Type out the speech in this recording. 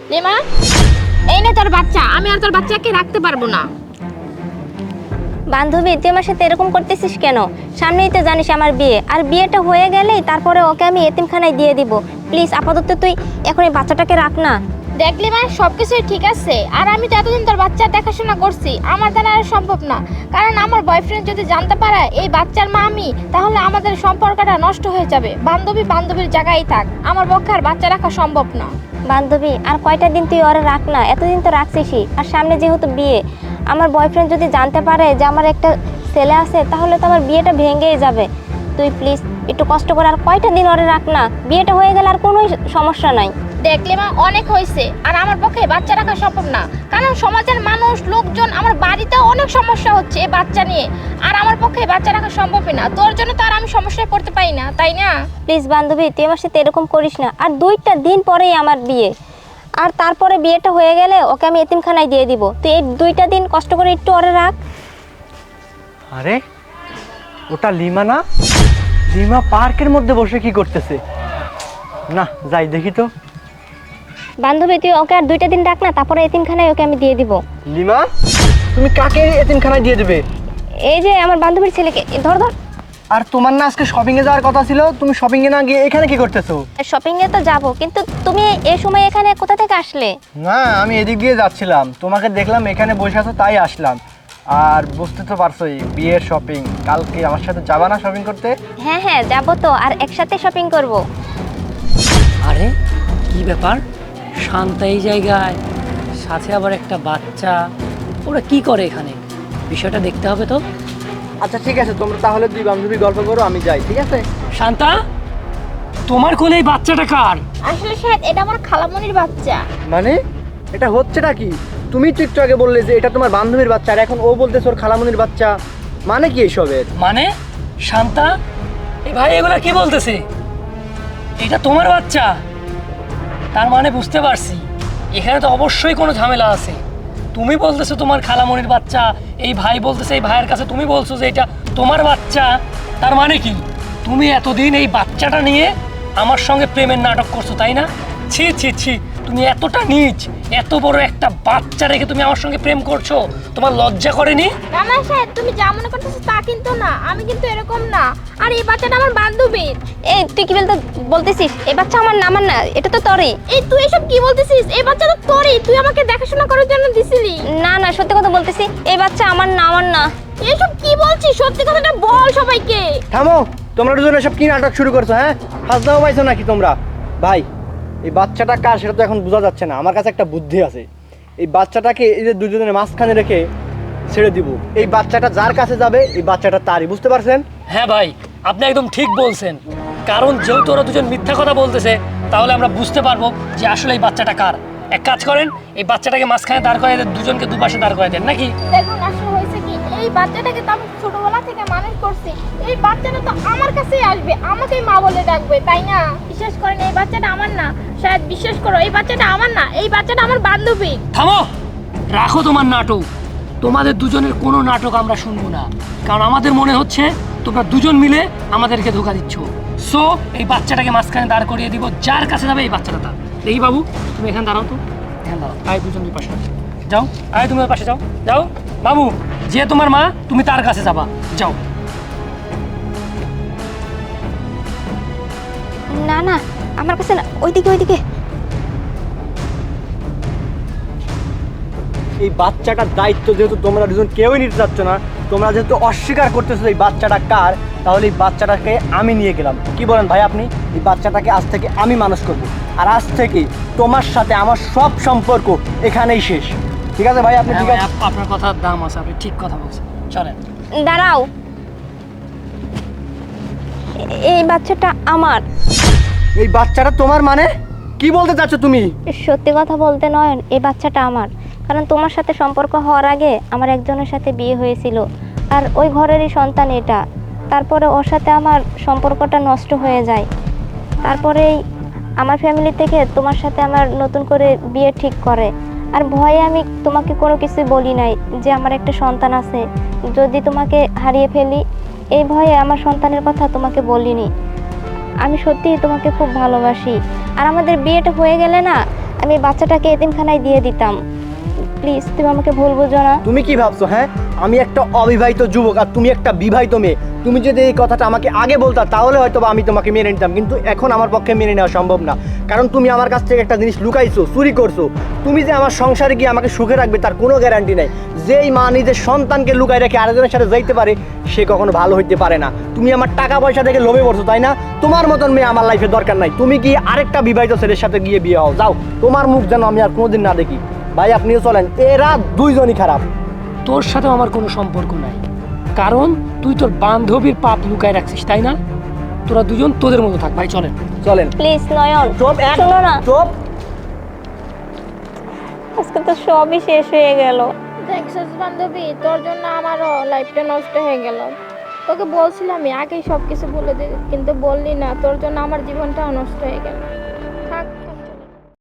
Lima, এই নে তোর বাচ্চা। আমি আর তোর বাচ্চাকে রাখতে পারবো না। বান্ধবী, তুই আমার সাথে এরকম করতেছিস কেন? সামনেই তো জানিস আমার বিয়ে, আর বিয়েটা হয়ে গেলেই তারপরে ওকে আমি এতিমখানায় দিয়ে দিব। প্লিজ আপাতত তুই এখন এই বাচ্চাটাকে রাখ না। দেখলি মা, সবকিছুই ঠিক আছে। আর আমি তো এতদিন তোর বাচ্চার দেখাশোনা করছি, আমার দ্বারা আর সম্ভব না। কারণ আমার বয়ফ্রেন্ড যদি জানতে পারে এই বাচ্চার মা আমি, তাহলে আমাদের সম্পর্কটা নষ্ট হয়ে যাবে। বান্ধবী বান্ধবীর জায়গায় থাক, আমার পক্ষে আর বাচ্চা রাখা সম্ভব না। বান্ধবী, আর কয়টা দিন তুই ওরা রাখ না, এতদিন তো রাখছিসই। আর সামনে যেহেতু বিয়ে, আমার বয়ফ্রেন্ড যদি জানতে পারে যে আমার একটা ছেলে আছে, তাহলে তো আমার বিয়েটা ভেঙেই যাবে। তুই প্লিজ একটু কষ্ট করে আর কয়টা দিন ওরা রাখ না, বিয়েটা হয়ে গেলে আর কোনো সমস্যা নাই। দেখলে মা, অনেক হয়েছে। আর আমার পক্ষে বাচ্চা রাখা সম্ভব না, কারণ সমাজের মানুষ লোকজন, আমার বাড়িতে অনেক সমস্যা হচ্ছে এই বাচ্চা নিয়ে। আর আমার পক্ষে বাচ্চা রাখা সম্ভবই না। তোর জন্য তো আর আমি সমস্যায় পড়তে পারি না, তাই না? প্লিজ বান্ধবী, তুই আমার সাথে এরকম করিস না। আর 2টা দিন পরেই আমার বিয়ে, আর তারপরে বিয়েটা হয়ে গেলে ওকে আমি এতিমখানায় দিয়ে দিব। তুই এই 2টা দিন কষ্ট করে একটু ওরে রাখ। আরে ওটা লিমা না? লিমা পার্কের মধ্যে বসে কি করতেছে? না, যাই দেখি তো। বান্ধবী, তুই ওকে আর 2টা দিন রাখ না, তারপরে এতিমখানায় ওকে আমি দিয়ে দিব। লিমা, তুমি কাকে এতিমখানায় দিয়ে দেবে? এই যে আমার বান্ধবীর ছেলেকে। ধর ধর। আর তোমার না আজকে শপিং এ যাওয়ার কথা ছিল, তুমি শপিং এ না গিয়ে এখানে কি করতেছো? শপিং এ তো যাব, কিন্তু তুমি এই সময় এখানে কোথা থেকে আসলে? না, আমি এদিক দিয়ে যাচ্ছিলাম, তোমাকে দেখলাম এখানে বসে আছো তাই আসলাম। আর বুঝতে তো পারছোই, বিয়ের শপিং। কালকে আমার সাথে যাবা না শপিং করতে? হ্যাঁ হ্যাঁ, যাব তো, আর একসাথে শপিং করব। আরে কি ব্যাপার, শান্তা এই জায়গায়, সাথে আবার একটা বাচ্চা। ওরা কি করে এখানে? বিষয়টা দেখতে হবে তো। আচ্ছা ঠিক আছে, তোমরা তাহলে 2 বান্ধবী গল্প করো, আমি যাই, ঠিক আছে? শান্তা, তোমার কোলে এই বাচ্চাটা কার? আসলে শায়দ এটা আমার খালামণির বাচ্চা। মানে এটা হচ্ছেটা কি? তুমি তো একটু আগে বললে যে এটা তোমার বান্ধবীর বাচ্চা, আর এখন ও বলতেছে ওর খালামণির বাচ্চা। মানে কি এসবের? মানে শান্তা, এই ভাই এগুলা কি বলতেছে? এটা তোমার বাচ্চা? তার মানে বুঝতে পারছি এখানে তো অবশ্যই কোনো ঝামেলা আছে। তুমি বলতেছো তোমার খালামণির বাচ্চা, এই ভাই বলতেছে এই ভাইয়ের কাছে তুমি বলছো যে এটা তোমার বাচ্চা। তার মানে কি তুমি এতদিন এই বাচ্চাটা নিয়ে আমার সঙ্গে প্রেমের নাটক করছো, তাই না? ছি ছি ছি, তুমি এতটা নীচ, এত বড় একটা বাচ্চা রেখে তুমি আমার সঙ্গে প্রেম করছো, তোমার লজ্জা করেনি? না না শায়দ, তুমি যা মনে করতেছো তা কিন্তু না। আমি কিন্তু এরকম না। আর এই বাচ্চাটা আমার বান্ধবীর। এই তুই কি বলতেছিস? এই বাচ্চা আমার না, আমার না, এটা তো তোরই। এই তুই এসব কি বলতেছিস? এই বাচ্চা তো তোরই, তুই আমাকে দেখাশোনা করার জন্য দিছিলি। না না, সত্যি কথা বলতেছি, এই বাচ্চা আমার না, আমার না। এসব কি বলছিস? সত্যি কথাটা বল সবাইকে। থামো, তোমরা দুজন এসব কি নাটক শুরু করছো? হ্যাঁ, হাসদাও পাইছো নাকি তোমরা? ভাই, এই বাচ্চাটা কার সেটা তো এখন বোঝা যাচ্ছে না। আমার কাছে একটা বুদ্ধি আছে, এই বাচ্চাটাকে এই যে দুজনের মাঝখানে রেখে ছেড়ে দিব। এই বাচ্চাটা যার কাছে যাবে এই বাচ্চাটা তারই, বুঝতে পারছেন? হ্যাঁ ভাই, আপনি একদম ঠিক বলছেন। কারণ যেহেতু ওরা দুজন মিথ্যা কথা বলতেছে, তাহলে আমরা বুঝতে পারবো যে আসলে এই বাচ্চাটা কার। এক কাজ করেন, এই বাচ্চাটাকে মাঝখানে দাঁড় করাই দেন, দুজনকে দুপাশে দাঁড় করাই দেন, নাকি? দেখুন, আসলে হয়েছে কি, এই বাচ্চাটাকে তো আমি ছোটবেলা থেকে মানুষ করছি। এই বাচ্চাটা তো আমার কাছেই আসবে, আমাকেই মা বলে ডাকবে, তাই না? বিশ্বাস করেন, এই বাচ্চাটা আমার না। শায়দ বিশ্বাস করো, এই বাচ্চাটা আমার না, এই বাচ্চাটা আমার বান্ধবী। থামো, রাখো তোমার নাটক। তোমাদের দুজনের কোনো নাটক আমরা শুনবো না, কারণ আমাদের মনে হচ্ছে তোমরা দুজন মিলে আমাদেরকে ধোকা দিচ্ছ। সো এই বাচ্চাটাকে মাঝখানে দাঁড় করিয়ে দিব, যার কাছে যাবে এই বাচ্চাটা তার। দেখি বাবু, তুমি এখানে দাঁড়াও তো, এখানে দাঁড়াও। আয় দুজন দুই পাশে যাও, আয় তুমি ওর পাশে যাও, যাও। বাবু, যে তোমার মা তুমি তার কাছে যাবা, যাও। না না, আমার কাছে না, ওইদিকে ওইদিকে। এই বাচ্চাটার দায়িত্ব যেহেতু তোমরা দুজন কেউই নিতে চাচ্ছ না, তোমরা যেহেতু অস্বীকার করতেছো এই বাচ্চাটা কার, তাহলে এই বাচ্চাটাকে আমি নিয়ে গেলাম। কি বলেন ভাই আপনি? এই বাচ্চাটাকে আজ থেকে আমি মানুষ করব, আর আজ থেকে তোমার সাথে আমার সব সম্পর্ক এখানেই শেষ। ঠিক আছে ভাই? আপনি ঠিক আছে? আপনার কথার দাম আছে, আপনি ঠিক কথা বলছেন, চলেন। দাঁড়াও, এই বাচ্চাটা আমার। এই বাচ্চাটা তোমার? মানে কি বলতে চাচ্ছ তুমি? সত্যি কথা বলতে নয়ন, এই বাচ্চাটা আমার। কারণ তোমার সাথে সম্পর্ক হওয়ার আগে আমার একজনের সাথে বিয়ে হয়েছিল, আর ওই ঘরেরই সন্তান এটা। তারপরে ওর সাথে আমার সম্পর্কটা নষ্ট হয়ে যায়। তারপরেই আমার ফ্যামিলি থেকে তোমার সাথে আমার নতুন করে বিয়ে ঠিক করে। আর ভয়ে আমি তোমাকে কোনো কিছু বলি নাই যে আমার একটা সন্তান আছে, যদি তোমাকে হারিয়ে ফেলি, এই ভয়ে আমার সন্তানের কথা তোমাকে বলিনি। আমি সত্যিই তোমাকে খুব ভালোবাসি, আর আমাদের বিয়েটা হয়ে গেলে না আমি এই বাচ্চাটাকে এতিমখানায় দিয়ে দিতাম। প্লিজ তুমি আমাকে ভুল বুঝো না। তুমি কি ভাবছো? হ্যাঁ, আমি একটা অবিবাহিত যুবক আর তুমি একটা বিবাহিত মেয়ে। তুমি যদি এই কথাটা আমাকে আগে বলতা তাহলে হয়তো বা আমি তোমাকে মেনে নিতাম, কিন্তু এখন আমার পক্ষে মেনে নেওয়া সম্ভব না। কারণ তুমি আমার কাছ থেকে একটা জিনিস লুকাইছো, চুরি করছো। তুমি যে আমার সংসারে গিয়ে আমাকে সুখে রাখবে তার কোনো গ্যারান্টি নেই। যেই মা নিজের সন্তানকে লুকাই রেখে আরেকজনের সাথে যাইতে পারে সে কখনো ভালো হইতে পারে না। তুমি আমার টাকা পয়সা দেখে লোভে পড়ছো, তাই না? তোমার মতন মেয়ে আমার লাইফে দরকার নাই। তুমি কি আরেকটা বিবাহিত ছেলের সাথে গিয়ে বিয়ে হও, যাও। তোমার মুখ যেন আমি আর কোনোদিন না দেখি। ভাই আপনিও চলেন, এরা দুইজনই খারাপ। তোর সাথে আমার কোনো সম্পর্ক নাই, কারণ তুই তোর বান্ধবীর পাপ লুকায় রাখছিস, তাই না? তোরা দুজন তোদের মতো থাক, ভাই চলেন। চলেন। প্লিজ নয়ন, চুপ, শোনো না। চুপ। আজকে তো সবই শেষ হয়ে গেল। দেখছিস বান্ধবী, তোর জন্য আমারও লাইফটা নষ্ট হয়ে গেল। তোকে বলছিলাম আমি আগেই সব কিছু বলে দিই, কিন্তু বললি না, তোর জন্য আমার জীবনটাও নষ্ট হয়ে গেল।